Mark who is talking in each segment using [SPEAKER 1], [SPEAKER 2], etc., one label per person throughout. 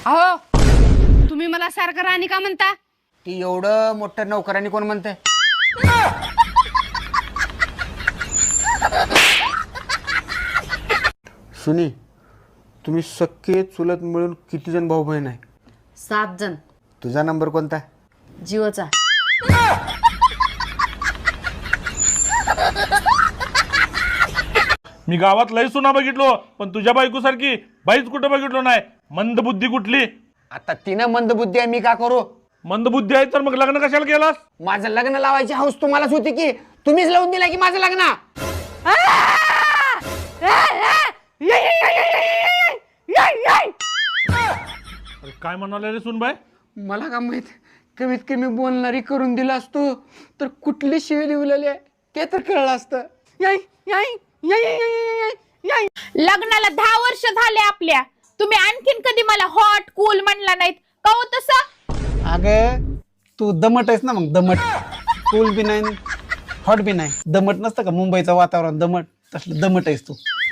[SPEAKER 1] अहो तुम्ही मला सारखं राणी का म्हणता?
[SPEAKER 2] ती एवढं मोठं नौकरांनी कोण म्हणतंय? सुनी, तुम्ही सख्खे चुलत मिळून किती जण भाऊ बहीण आहे?
[SPEAKER 1] 7 जण.
[SPEAKER 2] तुझा नंबर कोणता?
[SPEAKER 1] जीवचा.
[SPEAKER 3] मी गावात लय सुना बघितलो, पण तुझ्या बायको सारखी बाईच कुठं बघितलो नाही. मंदबुद्धी कुठली?
[SPEAKER 2] आता तिनं मंदबुद्धी आहे, मी का करू?
[SPEAKER 3] मंदबुद्धी आहे तर मग लग्न कशाला केलास?
[SPEAKER 2] माझं लग्न लावायची हौस तुम्हालाच होती की तुम्हीच लावून दिला की माझं लग्न?
[SPEAKER 3] अरे काय म्हणाले रे सुनबाई?
[SPEAKER 2] मला का माहित, कमीत कमी बोलणारी करून दिला असतो तर कुठली शिवी लिवलेली आहे ते तर कळलं असतं.
[SPEAKER 4] लग्नाला 10 वर्ष झाले आपल्या. तुम्ही आणखीन कधी मला हॉट कूल म्हणला नाहीत का हो तसं?
[SPEAKER 5] अगं तू दमट आहेस ना, मग दमट. कूल बी नाही हॉट बी नाही. दमट नसतं का मुंबईचं वातावरण दमट, तसलं दमट आहेस तू.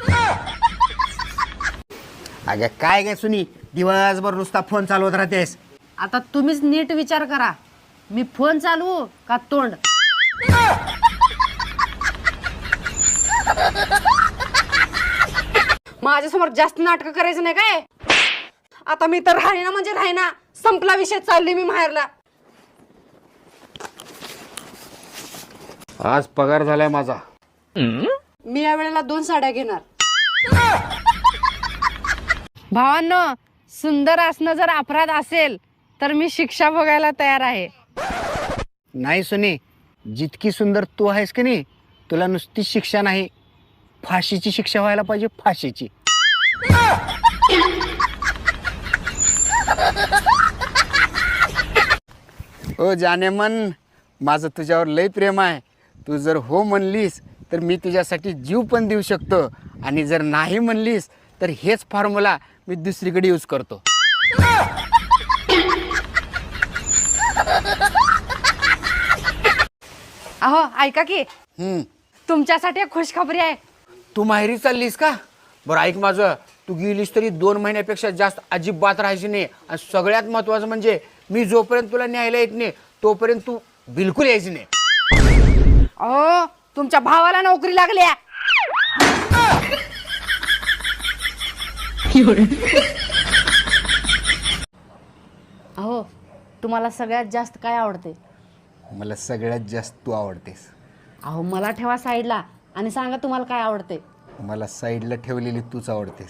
[SPEAKER 2] अगं काय काय सुनी, दिवसभर नुसता फोन चालवत राहतेस.
[SPEAKER 1] आता तुम्हीच नीट विचार करा, मी फोन चालवू का तोंड? माझ्यासमोर जास्त नाटक करायचं नाही काय? आता मी तर राहीना म्हणजे राहीना, संपला विषय, चालली मी माहेरला.
[SPEAKER 2] आज पगार झालाय माझा.
[SPEAKER 1] मी या वेळेला 2 साड्या घेणार. भावांनो, सुंदर असणं जर अपराध असेल तर मी शिक्षा भोगायला तयार आहे.
[SPEAKER 2] नाही सुनी, जितकी सुंदर तू आहेस की नाही, तुला नुसती शिक्षा नाही, फाशीची शिक्षा व्हायला पाहिजे, फाशीची. ओ जाने मन, माझं तुझ्यावर लय प्रेम आहे. तू जर हो म्हणलीस तर मी तुझ्यासाठी जीव पण देऊ शकतो, आणि जर नाही म्हणलीस तर हेच फॉर्म्युला मी दुसरीकडे यूज करतो.
[SPEAKER 1] अहो ऐका की,
[SPEAKER 2] हम्म,
[SPEAKER 1] तुमच्यासाठी एक खुशखबरी आहे.
[SPEAKER 2] तू माहेरी चाललीस का? बरं ऐक माझं, तू गेलीस तरी 2 महिन्यापेक्षा जास्त अजिबात राहायची नाही. आणि सगळ्यात महत्वाचं म्हणजे मी जोपर्यंत तुला न्यायला येत नाही तोपर्यंत तू बिलकुल यायची नाही.
[SPEAKER 1] अहो तुमच्या भावाला नोकरी लागल्या. अहो तुम्हाला सगळ्यात जास्त काय आवडते?
[SPEAKER 2] मला सगळ्यात जास्त तू आवडतेस.
[SPEAKER 1] अहो मला ठेवा साईडला आणि सांगा तुम्हाला काय आवडते.
[SPEAKER 2] मला साईडला ठेवलेली तूच आवडतेस.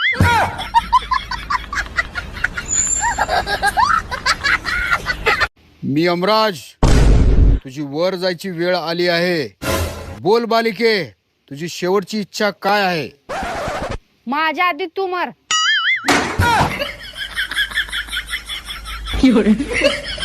[SPEAKER 2] मी अमराज, तुझी वर जायची वेळ आली आहे. बोल बालिके, तुझी शेवटची इच्छा काय आहे?
[SPEAKER 1] माझ्या आधी तू मर.